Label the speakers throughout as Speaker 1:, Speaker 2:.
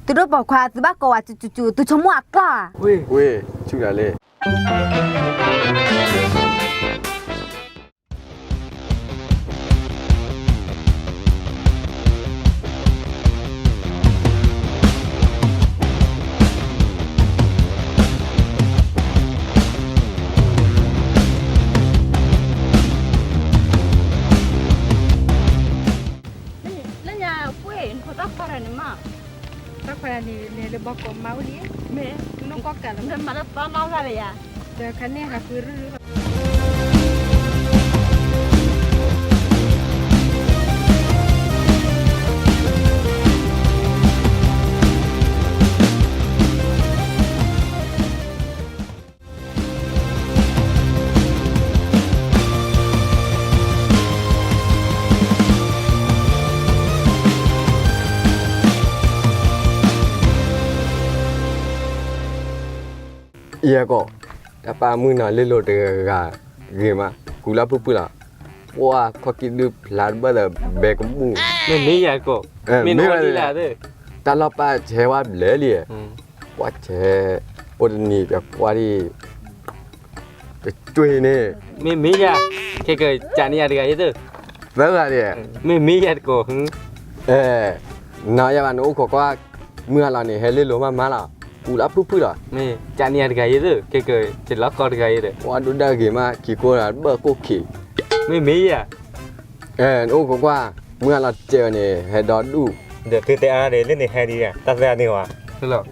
Speaker 1: tôi đâu bỏ qua tôi bắt cò chú tôi chống mua cả
Speaker 2: Ui, chú là lệ.
Speaker 3: Lên nhà quê họ tóc qua rồi mà
Speaker 4: tóc qua này le bọc có máu đi
Speaker 3: mẹ
Speaker 4: nó có cả lắm
Speaker 3: nên mà nó to mau ra rồi à
Speaker 4: giờ cái này là cứ
Speaker 2: Iya kok. Apa mu na le lo de ga ge ma. Kula pu la. Wa khaki du la ba da be ko mu.
Speaker 5: Mẹ mấy giờ cô? Mẹ nói đi là thế.
Speaker 2: Ta lo pa che wa le li. Wa che o ni ga kwa di. Chui ne.
Speaker 5: Mẹ mấy giờ? Cái chả đi ăn được cái gì
Speaker 2: Ba ga di.
Speaker 5: Mẹ mấy giờ cô?
Speaker 2: Na ya ba no ko kwa mu la ni he le lo ma la. Kula pu la.
Speaker 5: Mẹ chả đi ăn cái gì cái chỉ lót con cái gì
Speaker 2: Wa du da ge ma ki ko la ba ko ki.
Speaker 5: Mẹ mấy giờ?
Speaker 2: No ko kwa mu la che ni he do du.
Speaker 6: Được thì ta để lên để hay đi à, ta ra đi hòa.
Speaker 5: Thế là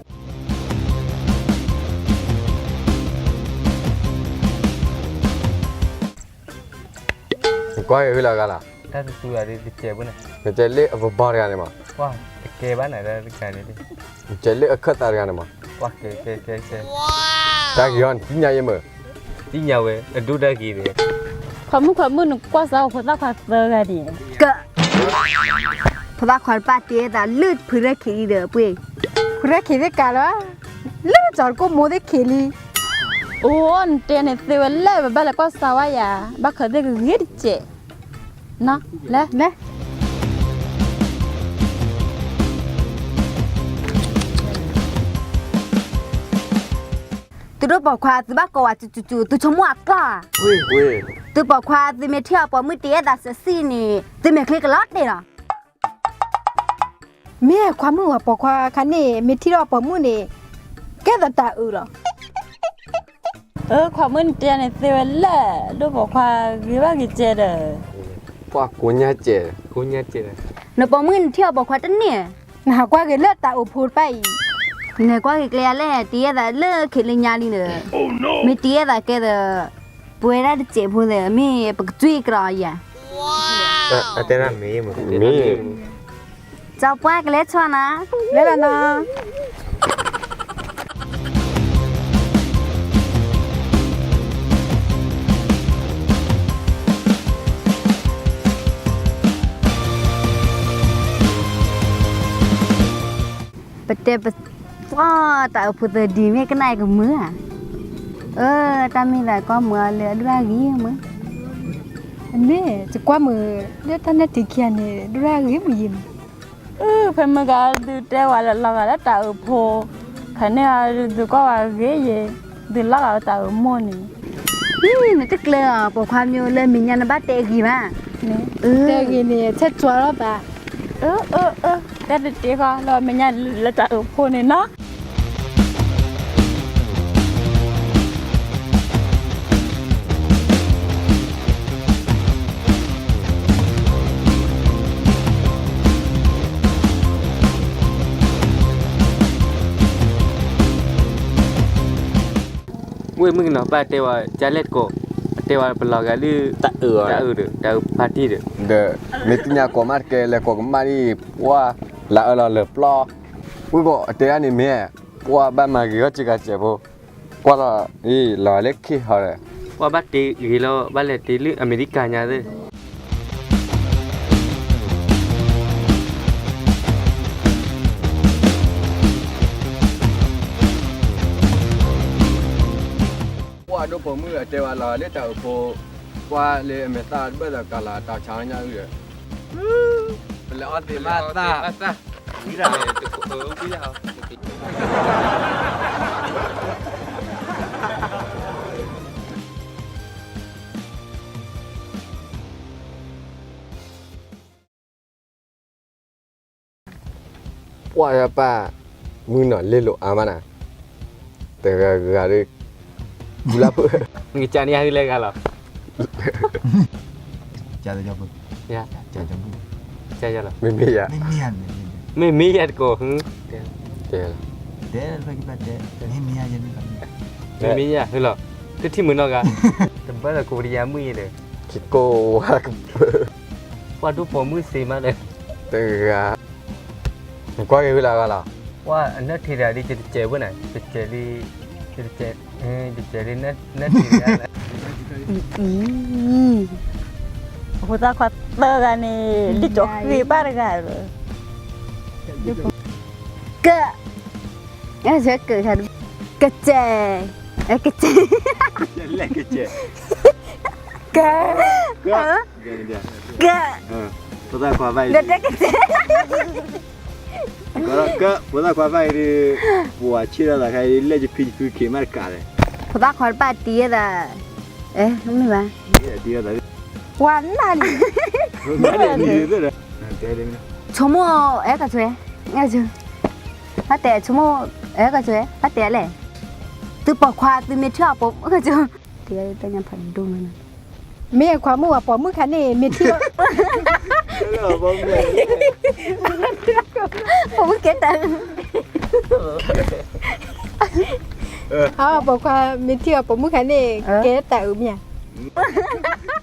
Speaker 2: Kwa he la ga la.
Speaker 5: ta tự là đi chơi bữa này.
Speaker 2: Ke che le abo ba ga ni ma.
Speaker 5: Wow, cái bán này ra cái này đi.
Speaker 2: Che le khat ta ga ni ma.
Speaker 5: Wow, cái.
Speaker 2: Ta gi on ti nya ye ma.
Speaker 5: Đi nhau về, đu ra gì đấy.
Speaker 3: khỏi mua nó qua sao họ tóc qua giờ ra đi
Speaker 1: cỡเขาว่าขวัญป้าเตี้ยแต่ลืดพื้นได้ขี้เด้อปุ้ย
Speaker 4: kure khide kala le char ko mo de kheli
Speaker 3: ôn tiền này tiêu lệ và là có sao vậy à bác khởi đây cái ghét chị nó lẽ
Speaker 4: le
Speaker 1: tôi đâu bỏ qua tôi bắt cò chú tôi chống mua cả
Speaker 2: Ui.
Speaker 1: tôi bỏ qua tôi mới theo bỏ mới ตี้ยแต่เสียนี่tôi mớiคลิกล็อตเลยเนาะ
Speaker 4: me kwa mu wa po kwa khane me thi ro po mu ne ke da ta u ro
Speaker 3: khoảng mươi tiền này tiêu lệ đâu bỏ qua cái bác cái chị đấy
Speaker 2: Qua ko nya che.
Speaker 5: Cô nhát chị này.
Speaker 1: เนาะบ่มื้อเที่ยวบ่ควาตันเนี่ย
Speaker 4: na kwa ge le ta u phur pai
Speaker 1: เนี่ยกว่าเกลียแลเตี้ยแต่เลิกขี้ลิญาลีเด้อไม่เตี้ยแต่แกเด้อป่วยได้เจ็บพุ่นเด้อมีปักจุ้ยกรอยอ่ะ
Speaker 6: À, tên là mì mà.
Speaker 2: Mi.
Speaker 1: เจ้าป้าก็เลยชวนนะ
Speaker 4: le la na
Speaker 1: ปะเตปะว้าแต่พุ่นเด้อดีแม่ก็นายกับมือตามีหลายก็มือเหลือด้วยกี้มือ
Speaker 4: me chi kwa mu le ta ne ti kya ne dra ge mu yim
Speaker 3: phải mà cái từ đây qua là đã tạo phô cái này từ có cái ghế gì từ là tạo môn này
Speaker 1: นี่น่ะตึกเลยบ่ความอยู่เลยมีญาณบัตรเตกีมา
Speaker 4: ne te ge ne che chwa ro ba
Speaker 3: cái được tiếc không rồi mình nhà là tạo phô này nó
Speaker 5: Ui, mừng nó ba tewa jalet ko. Tewa pelaga lu
Speaker 6: Ta
Speaker 5: được, ta party được.
Speaker 2: De mi ti nya ko mar ke le ko ma ni wa la le plo. Ui ko te ani me. Wa ba ma gi chi ga che bo. Qua la la le ki ha le.
Speaker 5: Qua bắt tí gì lo, bắt lệ tí lư America nhà đấy.
Speaker 2: Qua do po mu te wa la le ta po. Qua le me ta ba da ka la ta cha nya u le. Le o ti ma ta.
Speaker 6: ပြီးတာ
Speaker 5: ပြီးရအောင်
Speaker 2: ပွာရပါမင်းနော်လေလို့အာမနာတကယ်ကလေးဘူးလား
Speaker 5: ငါချာနေရလဲကလား
Speaker 7: ကြာတယ်ကြောက်ဘူး
Speaker 5: ရ
Speaker 7: ကြာကြောက်ဘူး
Speaker 5: ချာရလား
Speaker 2: မမေရ
Speaker 7: မင်းမရနေ
Speaker 5: မေမေရကိုဟင်
Speaker 2: တယ်
Speaker 7: တယ်ဘယ်ကပတ်တယ်မင်းမရရင်
Speaker 5: မေမေရဟဲ့လားတတိမနောကတပတ်ကိုရီးယားမှုရတယ်
Speaker 2: ကီကိုဟာ
Speaker 5: ဘာတို့ပေါ်မှုစေမလဲ
Speaker 2: တကယ်ကွာရလာကလား
Speaker 5: ဝါအနက်ထေရာလေးကျဲဝနိုင်ကျဲလေးကျဲကျဲလေးနဲ့ထေရာလဲ
Speaker 3: ဟိုသားခွတ်တော့ကနေဒီတော့ခေပါရက
Speaker 1: ကအဲ့ဒါကခါကကျဲအဲ့ကကျဲ
Speaker 6: လက်ကကျဲ
Speaker 1: ကက က
Speaker 6: ဘုရားခွာပိုက်
Speaker 1: ကတကကျဲ
Speaker 6: ဘုရားခွာပိုက်ဒီဘွာချီရတာခိုင်လက်ချဖိဖိခေမရကာတယ်
Speaker 1: ဖသားခေါ်ပါတီးရတာအဲမင်းပါ
Speaker 6: ဒီရတာ
Speaker 3: วันนั้น
Speaker 6: ဘယ်နဲ့နေရတာတဲတယ်
Speaker 1: ချမအဲ့ကကျွဲငါကျဟာတဲ့ချမအဲ့ကကျွဲဟာတဲ့လေသူပခွာသူမထပ်ပေါ့ကကျွတရားတညာဖန်ဒုမန
Speaker 4: เมียความมือว่าปอมือคันนี่มีที่
Speaker 6: ဘောမဲ
Speaker 1: ผมเก็ตตัง
Speaker 4: เขาบอกว่ามีที่ว่าปอมือคันนี่เก๋แต่อืมเนี่ย